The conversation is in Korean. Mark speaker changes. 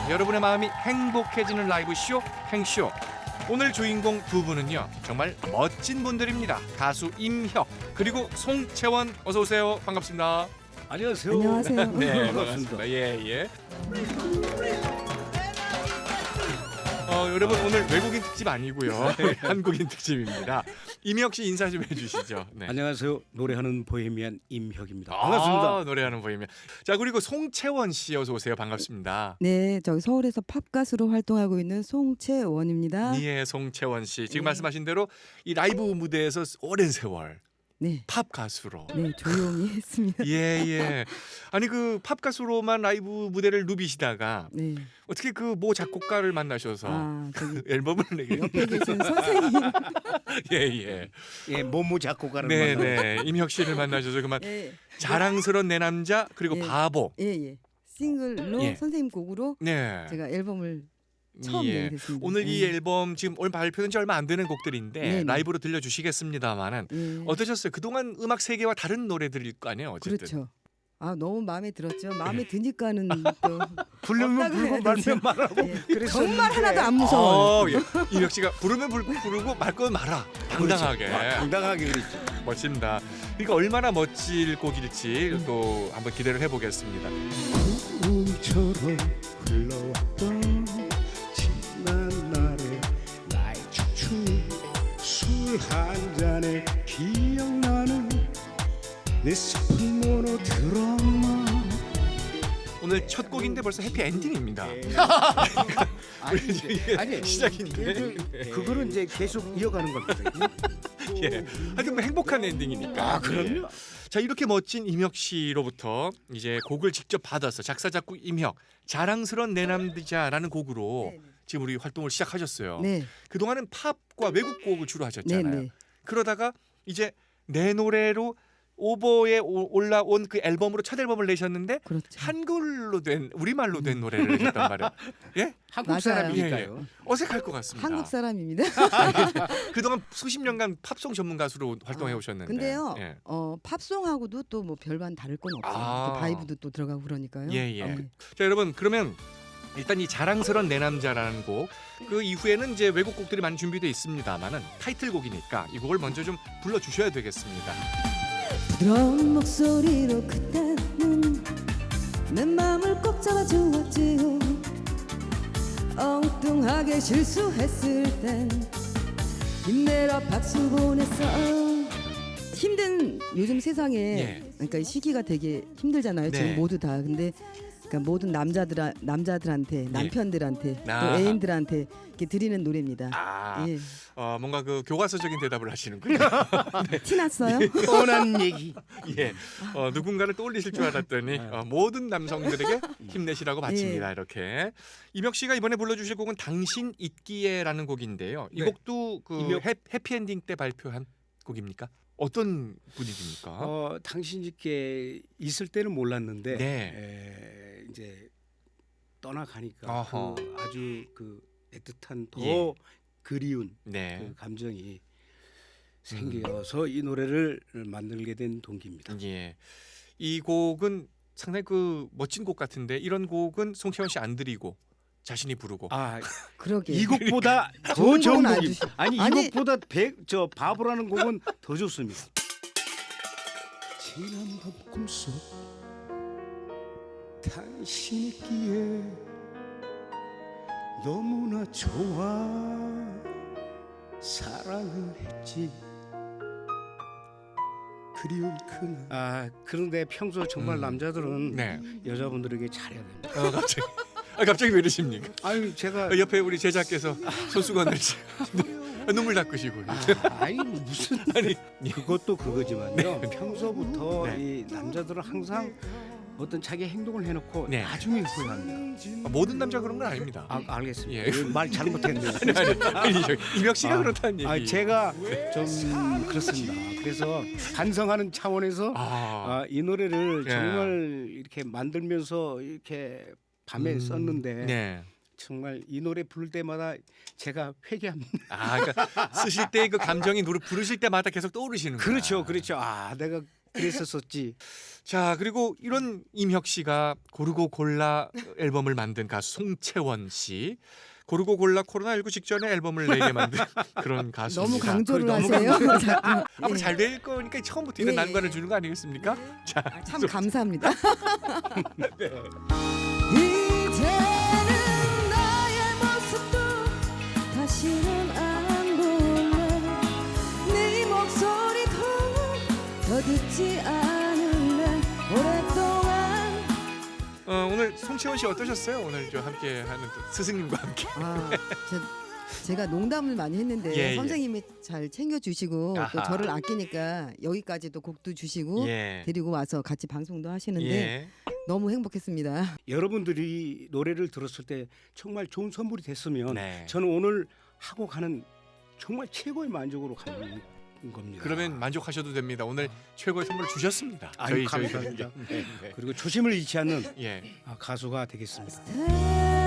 Speaker 1: 여러분의 마음이 행복해지는 라이브쇼 행쇼. 오늘 주인공 두 분은요 정말 멋진 분들입니다. 가수 임혁 그리고 송채원 어서 오세요. 반갑습니다.
Speaker 2: 안녕하세요.
Speaker 3: 안녕하세요.
Speaker 1: 네,
Speaker 2: 반갑습니다.
Speaker 1: 예. 여러분 오늘 외국인 특집 아니고요. 한국인 특집입니다. 임혁 씨 인사 좀 해주시죠. 네.
Speaker 2: 안녕하세요. 노래하는 보헤미안 임혁입니다. 반갑습니다.
Speaker 1: 노래하는 보이면. 자 그리고 송채원 씨 어서 오세요. 반갑습니다.
Speaker 3: 네, 저기 서울에서 팝 가수로 활동하고 있는 송채원입니다.
Speaker 1: 예, 송채원 씨 지금
Speaker 3: 네.
Speaker 1: 말씀하신 대로 이 라이브 무대에서 오랜 세월
Speaker 3: 네,
Speaker 1: 팝 가수로.
Speaker 3: 네, 조용히 했습니다.
Speaker 1: 예. 아니 그 팝 가수로만 라이브 무대를 누비시다가
Speaker 3: 네,
Speaker 1: 어떻게 그 모 작곡가를 만나셔서
Speaker 3: 저기
Speaker 1: 앨범을 내게.
Speaker 3: 옆에 계신 선생님,
Speaker 1: 예.
Speaker 2: 예, 모모 작곡가를 만나.
Speaker 1: 네. 임혁 씨를 만나셔서 그만
Speaker 3: 예,
Speaker 1: 자랑스러운 내 남자 그리고
Speaker 3: 예.
Speaker 1: 바보.
Speaker 3: 예, 싱글로
Speaker 1: 예.
Speaker 3: 선생님 곡으로
Speaker 1: 네.
Speaker 3: 제가 앨범을 처음
Speaker 1: 예.
Speaker 3: 내겠습니다.
Speaker 1: 오늘 이 앨범 지금 오늘 발표된 지 얼마 안 되는 곡들인데
Speaker 3: 네네.
Speaker 1: 라이브로 들려주시겠습니다만은
Speaker 3: 예.
Speaker 1: 어떠셨어요? 그동안 음악 세계와 다른 노래들일 거 아니에요, 어쨌든.
Speaker 3: 그렇죠. 너무 마음에 들었죠. 마음에 드니까는 또
Speaker 2: 부르면
Speaker 3: 없다고
Speaker 2: 불고
Speaker 3: 해야
Speaker 2: 말면
Speaker 3: 되죠.
Speaker 2: 말하고.
Speaker 3: 예.
Speaker 2: 그랬었는데.
Speaker 3: 정말 하나도 안 무서워요.
Speaker 1: 예. 임혁 씨가 부르면 부르고 말 거면 말아. 당당하게.
Speaker 2: 당당하게 그랬죠.
Speaker 1: 멋집니다. 그러니까 얼마나 멋질 곡일지 또 한번 기대를 해보겠습니다.
Speaker 2: 꿈처럼 흘러왔던 지난 날의 나의 춤 술 한 잔에 기억나는 내 슬픈 모노드라마.
Speaker 1: 오늘 첫 곡인데 벌써 해피 엔딩입니다.
Speaker 2: 아니
Speaker 1: 시작인데.
Speaker 2: 그거는 이제 계속 이어가는 겁니다.
Speaker 1: 예. 하여튼 뭐 행복한 엔딩이니까.
Speaker 2: 그럼요.
Speaker 1: 자 이렇게 멋진 임혁 씨로부터 이제 곡을 직접 받아서 작사 작곡 임혁 자랑스러운 내 남자라는 곡으로
Speaker 3: 네, 네.
Speaker 1: 지금 우리 활동을 시작하셨어요.
Speaker 3: 네,
Speaker 1: 그동안은 팝과 외국 곡을 주로 하셨잖아요.
Speaker 3: 네.
Speaker 1: 그러다가 이제 내 노래로 오버에 올라온 그 앨범으로 첫 앨범을 내셨는데
Speaker 3: 그렇죠.
Speaker 1: 한글로 된 우리말로 된 노래를 내셨단 말이에요. 예?
Speaker 2: 한국
Speaker 3: 맞아요.
Speaker 2: 사람이니까요.
Speaker 1: 어색할 것 같습니다.
Speaker 3: 한국 사람입니다.
Speaker 1: 그동안 수십 년간 팝송 전문 가수로 활동해 오셨는데.
Speaker 3: 근데요,
Speaker 1: 예.
Speaker 3: 팝송하고도 또 뭐 별반 다를 건 없어요.
Speaker 1: 아.
Speaker 3: 그 바이브도 또 들어가고 그러니까요.
Speaker 1: 예.
Speaker 3: 네.
Speaker 1: 자 여러분 그러면 일단 이 자랑스러운 내 남자라는 곡 그 이후에는 이제 외국 곡들이 많이 준비되어 있습니다만은 타이틀곡이니까 이 곡을 먼저 좀 불러주셔야 되겠습니다.
Speaker 3: 부드러운 목소리로 그때는 내 마음을 꼭 잡아주었지요. 엉뚱하게 실수했을 땐 힘내라 박수 보냈어. 힘든 요즘 세상에
Speaker 1: 예.
Speaker 3: 그러니까 이 시기가 되게 힘들잖아요.
Speaker 1: 네.
Speaker 3: 지금 모두 다. 근데 그러니까 모든 남자들한테 남편들한테 또
Speaker 1: 아.
Speaker 3: 애인들한테 이렇게 드리는 노래입니다.
Speaker 1: 예. 뭔가 그 교과서적인 대답을 하시는군요.
Speaker 3: 티 났어요?
Speaker 2: 뻔한 얘기.
Speaker 1: 예. 누군가를 떠올리실 줄 알았더니 모든 남성들에게 힘내시라고 바칩니다. 이렇게. 임혁 씨가 이번에 불러주실 곡은 당신 있기에라는 곡인데요. 이
Speaker 2: 네.
Speaker 1: 곡도 그
Speaker 2: 임혁.
Speaker 1: 해피엔딩 때 발표한 곡입니까? 어떤 분위기입니까?
Speaker 2: 당신께 있을 때는 몰랐는데
Speaker 1: 네.
Speaker 2: 이제 떠나가니까
Speaker 1: 어허.
Speaker 2: 그 아주 그 애틋한 더
Speaker 1: 예.
Speaker 2: 그리운
Speaker 1: 네.
Speaker 2: 그 감정이 생겨서 이 노래를 만들게 된 동기입니다.
Speaker 1: 예. 이 곡은 상당히 그 멋진 곡 같은데 이런 곡은 송채원 씨 안 드리고 자신이 부르고.
Speaker 3: 그러게.
Speaker 2: 이 곡보다 더
Speaker 3: 좋은
Speaker 2: 좋은
Speaker 3: 곡은 안
Speaker 2: 곡이
Speaker 3: 주시-
Speaker 2: 아니
Speaker 3: 아니.
Speaker 2: 이곡보다 저 바보라는 곡은 더 좋습니다. 지난 밤 꿈속 당신 있기에 너무나 좋아 사랑을 했지 그리운 그날. 그런데 평소 정말 남자들은
Speaker 1: 네.
Speaker 2: 여자분들에게 잘해야 됩니다.
Speaker 1: 갑자기 왜 이러십니까?
Speaker 2: 아유 제가
Speaker 1: 옆에 우리 제자께서 손수건을 눈물 닦으시고.
Speaker 2: 아니 무슨
Speaker 1: 아니
Speaker 2: 그것도 그거지만요. 평소부터
Speaker 1: 네.
Speaker 2: 이 남자들은 항상 어떤 자기 행동을 해놓고
Speaker 1: 네.
Speaker 2: 나중에 후회합니다.
Speaker 1: 모든 남자 그런 건 아닙니다.
Speaker 2: 알겠습니다.
Speaker 1: 예.
Speaker 2: 말 잘못했네요.
Speaker 1: 아니 임혁 씨가 그렇다는 얘기.
Speaker 2: 제가 좀 그렇습니다. 그래서 반성하는 차원에서 이 노래를
Speaker 1: 예.
Speaker 2: 정말 이렇게 만들면서 이렇게 밤에 썼는데
Speaker 1: 네.
Speaker 2: 정말 이 노래 부를 때마다 제가 회개합니다.
Speaker 1: 그러니까 쓰실 때 그 감정이 부르실 때마다 계속 떠오르시는 거예요.
Speaker 2: 그렇죠. 내가 그랬었었지.
Speaker 1: 자, 그리고 이런 임혁 씨가 고르고 골라 앨범을 만든 가수 송채원 씨. 고르고 골라 코로나19 직전에 앨범을 내게 만든 그런 가수입니다.
Speaker 3: 너무 강조를
Speaker 2: 너무
Speaker 3: 하세요. 자꾸.
Speaker 1: 앞으로
Speaker 3: 예.
Speaker 1: 잘 될 거니까 처음부터 이런
Speaker 3: 예,
Speaker 1: 난관을
Speaker 3: 예.
Speaker 1: 주는 거 아니겠습니까? 자,
Speaker 3: 아, 참 감사합니다.
Speaker 1: 네.
Speaker 3: 이제는 나의 모습도 다시는 안 볼래. 네 목소리도 더 듣지 않을래. 오랫동안
Speaker 1: 오늘 송채원 씨 어떠셨어요? 오늘 저 함께하는 또 스승님과 함께.
Speaker 3: 제가 농담을 많이 했는데
Speaker 1: 예, 예.
Speaker 3: 선생님이 잘 챙겨주시고 또
Speaker 1: 아하.
Speaker 3: 저를 아끼니까 여기까지도 곡도 주시고
Speaker 1: 예.
Speaker 3: 데리고 와서 같이 방송도 하시는데
Speaker 1: 예.
Speaker 3: 너무 행복했습니다.
Speaker 2: 여러분들이 노래를 들었을 때 정말 좋은 선물이 됐으면
Speaker 1: 네.
Speaker 2: 저는 오늘 하고 가는 정말 최고의 만족으로 가는 겁니다.
Speaker 1: 그러면 만족하셔도 됩니다. 오늘 최고의 선물을 주셨습니다.
Speaker 2: 아유,
Speaker 1: 저희
Speaker 2: 감사합니다.
Speaker 1: 네, 네.
Speaker 2: 그리고 초심을 잃지 않는
Speaker 1: 예.
Speaker 2: 가수가 되겠습니다.
Speaker 3: 네.